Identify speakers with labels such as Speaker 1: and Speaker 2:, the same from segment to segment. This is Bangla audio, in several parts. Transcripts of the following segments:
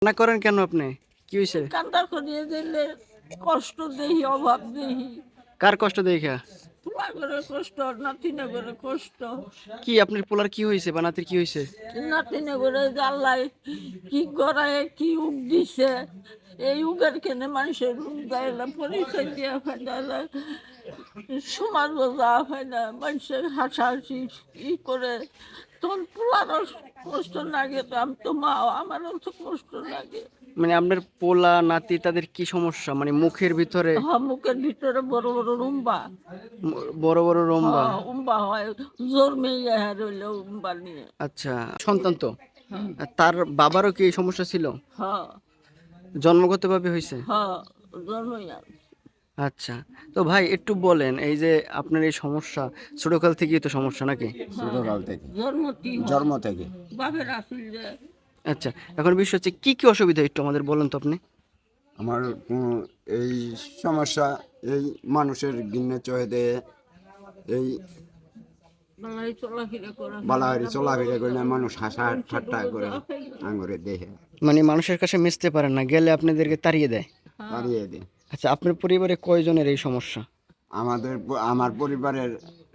Speaker 1: কান্না করেন কেন আপনি? কি হইছে?
Speaker 2: কান্না করিয়ে দিলে কষ্ট দেহি, অভাব দেহি,
Speaker 1: কার কষ্ট দেখা?
Speaker 2: পোলা করে কষ্ট, নাতিনে করে কষ্ট।
Speaker 1: কি আপনার পোলার কি হইছে বা নাতির কি হইছে?
Speaker 2: নাতিনে করে জ্বালায় কি করায়, কি উগ দিছে। এই উগের কেনে মানুষের রূপ দেয় না, পরিচয় দিয়ে ফেলে, সমাজ বোঝা হয় না, মানুষের হাসাহাসি ই করে। তোর পোলারও কষ্ট লাগে, তো আমি তো মা, আমারও তো কষ্ট লাগে।
Speaker 1: মানে আপনার পোলা নাতি তাদের কি সমস্যা? মানে মুখের ভিতরে
Speaker 2: মুখের ভিতরে বড় বড় রুম্বা।
Speaker 1: বড় বড় রম্বা।
Speaker 2: হ্যাঁ, উম্বা হয়, জোর মেয়ে রইল উম্বা নিয়ে।
Speaker 1: আচ্ছা, সন্তান তো।
Speaker 2: হ্যাঁ,
Speaker 1: তার বাবারও কি এই সমস্যা ছিল?
Speaker 2: হ্যাঁ,
Speaker 1: জন্মগতভাবে হইছে?
Speaker 2: হ্যাঁ, জন্মই আর।
Speaker 1: আচ্ছা, তো ভাই একটু বলেন, এই যে আপনার এই সমস্যা ছোটকাল থেকেই তো সমস্যা নাকি?
Speaker 3: ছোটকাল থেকে,
Speaker 2: জন্মটি
Speaker 3: জন্ম থেকে।
Speaker 2: বাপের আসল যে
Speaker 1: আচ্ছা, এখন বিষয় হচ্ছে কি কি অসুবিধা একটু আমাদের বলেন তো আপনি।
Speaker 3: আমার এই সমস্যা, এই মানুষের গিন্নে চয়ে দেয়, এই
Speaker 2: বালাই চলাফেরা করা,
Speaker 3: বালাহারি চলাফেরা করে না, মানুষ হাসা ঠাট্টা করে আঙুরে দেহে
Speaker 1: মানে মানুষের কাছে মিশতে পারেন না, গেলে আপনাদেরকে তাড়িয়ে দেয়।
Speaker 3: তাড়িয়ে দেয়।
Speaker 1: আচ্ছা, আপনার পরিবারে কয়জনের এই সমস্যা?
Speaker 3: আমার পরিবারের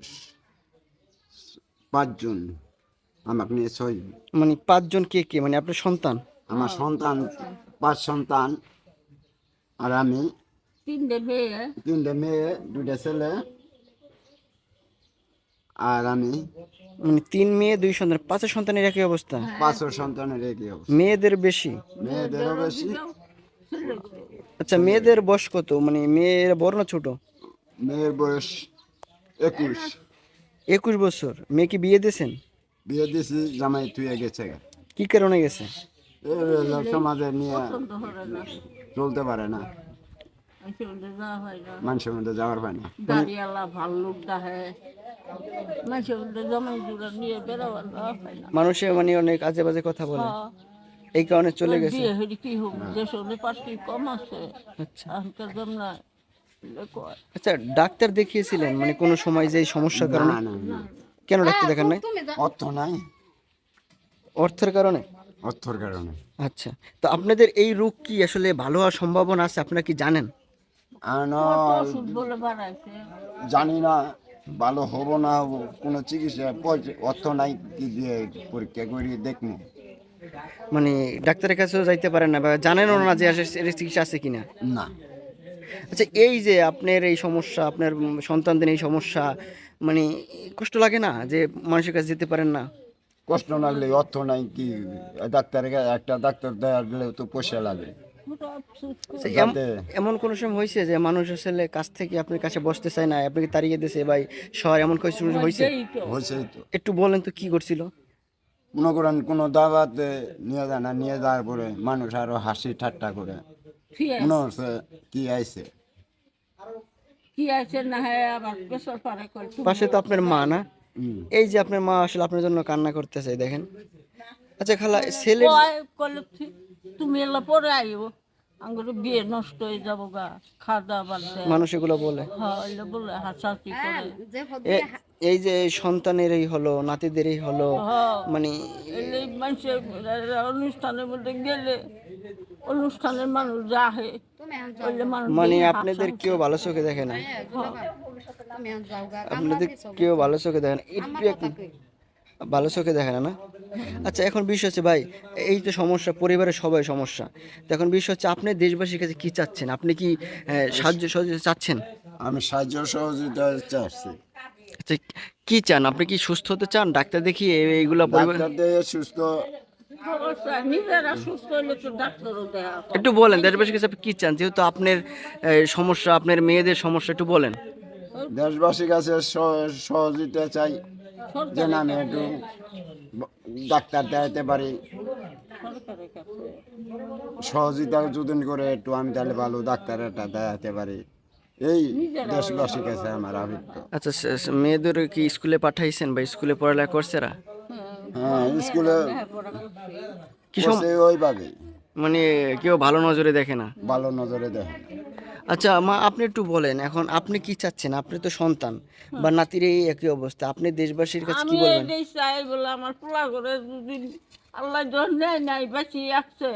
Speaker 3: 5 জন, আমাকে নিয়ে 6 জন।
Speaker 1: মানে 5 জন কে কে? মানে আপনার সন্তান?
Speaker 3: আমার সন্তান 5 সন্তান, আর আমি
Speaker 2: তিনটে মেয়ে।
Speaker 3: 3টে মেয়ে, 2টা ছেলে, আর আমি
Speaker 1: মানে 3 মেয়ে 2 সন্তান, 5 সন্তানের একই অবস্থা?
Speaker 3: 5 সন্তানের একই অবস্থা।
Speaker 1: মেয়েদের বেশি?
Speaker 3: মেয়েদেরও বেশি।
Speaker 1: আচ্ছা, মেয়েদের বয়স কত? মানে মেয়ের বড় না ছোট?
Speaker 3: মেয়ের বয়স 21।
Speaker 1: 21 বছর। মেয়ে কি বিয়ে দিয়েছেন?
Speaker 3: বিয়ে দিয়েছি, জামাই থুয়ে গেছে।
Speaker 1: কি কারণে গেছে?
Speaker 3: এই হলো সমাজে নিয়ে
Speaker 2: পছন্দ করে না,
Speaker 3: চলতে পারে না,
Speaker 2: মানুষের মধ্যে যাওয়া হয় না।
Speaker 3: মানুষের মধ্যে যাওয়ার হয় না।
Speaker 2: দাঁড়িয়ালা ভাল্লুক ডাহে, মানুষের মধ্যে জমাই জুড়ে নিয়ে বেরোবার যাওয়া হয় না।
Speaker 1: মানুষে মানে অনেক আজে বাজে কথা বলে,
Speaker 2: হ্যাঁ,
Speaker 1: এই কারণে চলে গেছে।
Speaker 2: বিয়ে হয়ে কি হোক, দেশ হলে পার্টি কম আছে,
Speaker 1: আচ্ছা
Speaker 2: এখনকার জমনা কয়।
Speaker 1: আচ্ছা, ডাক্তার দেখিয়েছিলেন মানে কোনো সময় যে এই সমস্যার কারণে?
Speaker 3: না না না,
Speaker 1: কেন ডাক্তার দেখান নাই?
Speaker 3: অর্থ নাই,
Speaker 1: অর্থের কারণে?
Speaker 3: অর্থর কারণে।
Speaker 1: আচ্ছা, তো আপনাদের এই রোগ কি আসলে ভালো হওয়ার সম্ভাবনা আছে, আপনারা কি জানেন?
Speaker 3: আর
Speaker 2: কত ওষুধ বলে বাড়াইছে।
Speaker 3: জানি না ভালো হবো না হবো, কোনো চিকিৎসা অর্থ নাই, কি দিয়ে পরীক্ষা করি দেখবো।
Speaker 1: মানে ডাক্তারের কাছেও যাইতে পারেন না বা জানেনও না যে এর চিকিৎসা আছে কিনা?
Speaker 3: না,
Speaker 1: আচ্ছা, এই যে আপনার এই সমস্যা, আপনার সন্তানদের এই সমস্যা, মানে কষ্ট লাগে না যে মানুষের কাছে যেতে পারেন না?
Speaker 3: কষ্ট লাগলে অর্থ নাই, কি ডাক্তারের একটা ডাক্তার দেওয়ার গেলেও তো পয়সা লাগে।
Speaker 1: আচ্ছা,
Speaker 3: যাতে
Speaker 1: এমন কোনো সময় হয়েছে যে মানুষ আসলে কাছ থেকে আপনার কাছে বসতে চায় না, আপনাকে তাড়িয়ে দিয়েছে বা শহর, এমন কিছু হয়েছে?
Speaker 3: হয়েছেই তো।
Speaker 1: একটু বলেন তো কি করছিল?
Speaker 3: মনে করেন কোনো দাওয়াতে নিয়ে যায় না, নিয়ে যাওয়ার পরে মানুষ আরো হাসি ঠাট্টা করে, মনে হচ্ছে কি আইছে।
Speaker 2: কি আছে না হয় আবার বেসর পারে করে
Speaker 1: পাশে তো আপনার মা না?
Speaker 3: হুম।
Speaker 1: এই যে আপনার মা আসলে আপনার জন্য কান্না করতেছে, দেখেন। আচ্ছা খালা, ছেলের
Speaker 2: কলে তুমি এলা পরে আইও, আঙ্গুর বিয়ে নষ্ট হয়ে যাবো গা, খাওয়া দাওয়া বাড়ছে।
Speaker 1: মানুষ এগুলো বলে।
Speaker 2: হ্যাঁ, এলে বলে হাসাহাসি করে।
Speaker 1: এই যে সন্তানের এই হলো, নাতিদের এই হলো,
Speaker 2: হ্যাঁ,
Speaker 1: মানে
Speaker 2: এলে মানুষের অনুষ্ঠানের মধ্যে গেলে অনুষ্ঠানের মানুষ যাহে, ওইলে মানুষ
Speaker 1: মানে
Speaker 2: দেখে
Speaker 1: আপনাদের
Speaker 2: হাসাহাসি।
Speaker 1: কেউ ভালো চোখে দেখে না, আপনাদের কেউ ভালো চোখে দেখে না, একটু ভালো চোখে দেখে না, না? আচ্ছা, এখন বিষয় হচ্ছে ভাই, এই তো সমস্যা, পরিবারের সবাই সমস্যা, তো এখন বিষয় হচ্ছে আপনি দেশবাসীর কাছে কি চাচ্ছেন? আপনি কি সাহায্য সহযোগিতা চাচ্ছেন?
Speaker 3: আমি সাহায্য সহযোগিতা চাচ্ছি।
Speaker 1: আচ্ছা, কি চান আপনি? কি সুস্থ হতে চান? ডাক্তার দেখিয়ে এইগুলো পরিবার?
Speaker 3: ডাক্তার দিয়ে সুস্থ।
Speaker 2: অবশ্যই নিজেরা সুস্থ হলে তো ডাক্তারও দেয়া হয়।
Speaker 1: একটু বলেন দেশবাসীর কাছে আপনি কি চান, যেহেতু আপনার সমস্যা, আপনার মেয়েদের সমস্যা, একটু বলেন।
Speaker 3: দেশবাসীর কাছে সহযোগিতা চাই, যে না আমি একটু ডাক্তার দেখাতে পারি,
Speaker 2: সরকারের কাছে
Speaker 3: সহযোগিতা যদি করে একটু, আমি তাহলে ভালো ডাক্তার একটা দেখাতে পারি, এই দেশবাসীর কাছে আমার আবেদন।
Speaker 1: আচ্ছা, মেয়েদের কি স্কুলে পাঠাইছেন বা স্কুলে পড়ালেখা করছে এরা?
Speaker 3: হ্যাঁ, স্কুলে
Speaker 2: লেখাপড়া করছে।
Speaker 1: কি
Speaker 3: করছে ওইভাবে,
Speaker 1: মানে কেউ ভালো নজরে দেখে না?
Speaker 3: ভালো নজরে দেখে।
Speaker 1: আচ্ছা মা, আপনি একটু বলেন, এখন আপনি কি চাচ্ছেন? আপনি তো সন্তান বা নাতির এই একই অবস্থা, আপনি দেশবাসীর কাছে কি
Speaker 2: আমি
Speaker 1: বলবেন?
Speaker 2: এটাই চাই বলে, আমার পোলা করে যদি আল্লাহ যখন নেয় নাই বাঁচিয়ে আসছে,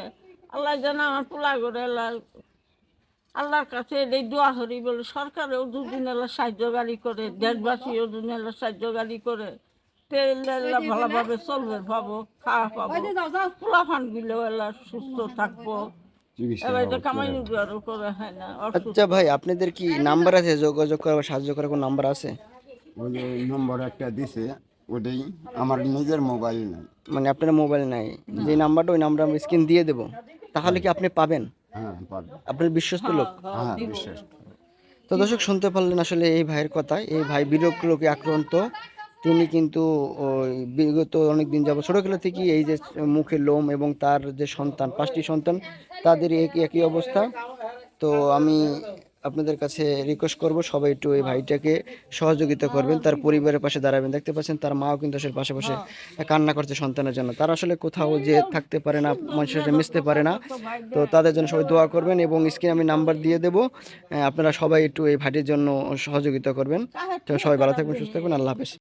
Speaker 2: আল্লাহ যেন আমার পোলা করে আল্লাহর কাছে এই দোয়া করি বলে সরকারেও দুদিন এলা সাহায্য গাড়ি করে, দেশবাসীও দুদিন এলা সাহায্য গাড়ি করে, পেলে এলা ভালোভাবে চলবে পাবো, খাওয়া পাবো, পোলা ফান্ডগুলো এলা সুস্থ থাকবো। এবার এটা কামাই রোজগারও করে হয় না।
Speaker 1: আচ্ছা ভাই, আপনাদের কি নাম্বার আছে যোগাযোগ করা বা সাহায্য করার কোনো নাম্বার আছে?
Speaker 3: ওই যে নম্বর একটা দিছে, ওটাই আমার নিজের মোবাইল নেই।
Speaker 1: মানে আপনার মোবাইল নাই, যে নাম্বারটা ওই নাম্বার আমি স্ক্রিন দিয়ে দেবো, তাহলে কি আপনি পাবেন?
Speaker 3: হ্যাঁ পারবো।
Speaker 1: আপনার বিশ্বস্ত লোক?
Speaker 3: হ্যাঁ বিশ্বাস।
Speaker 1: তো দর্শক শুনতে পারলেন আসলে এই ভাইয়ের কথা। এই ভাই বিরোগ রোগে আক্রান্ত। তিনি কিন্তু ওই বিগত অনেক দিন যাবত ছোটবেলা থেকেই এই যে মুখের লোম এবং তার যে সন্তান, 5টি সন্তান, তাদের একই অবস্থা। তো আমি আপনাদের কাছে রিকোয়েস্ট করব সবাই একটু এই ভাইটাকে সহযোগিতা করবেন, তার পরিবারের পাশে দাঁড়াবেন। দেখতে পাচ্ছেন তার মাও কিন্তু আসলে পাশে কান্না করছে সন্তানের জন্য। তারা আসলে কোথাও যে থাকতে পারে না, মানুষের সাথে মিশতে পারে না। তো তাদের জন্য সবাই দোয়া করবেন এবং স্ক্রিনে আমি নাম্বার দিয়ে দেবো। আপনারা সবাই একটু এই ভাইটির জন্য সহযোগিতা করবেন। তো সবাই ভালো থাকবেন, সুস্থ থাকবেন। আল্লাহ হাফেজ।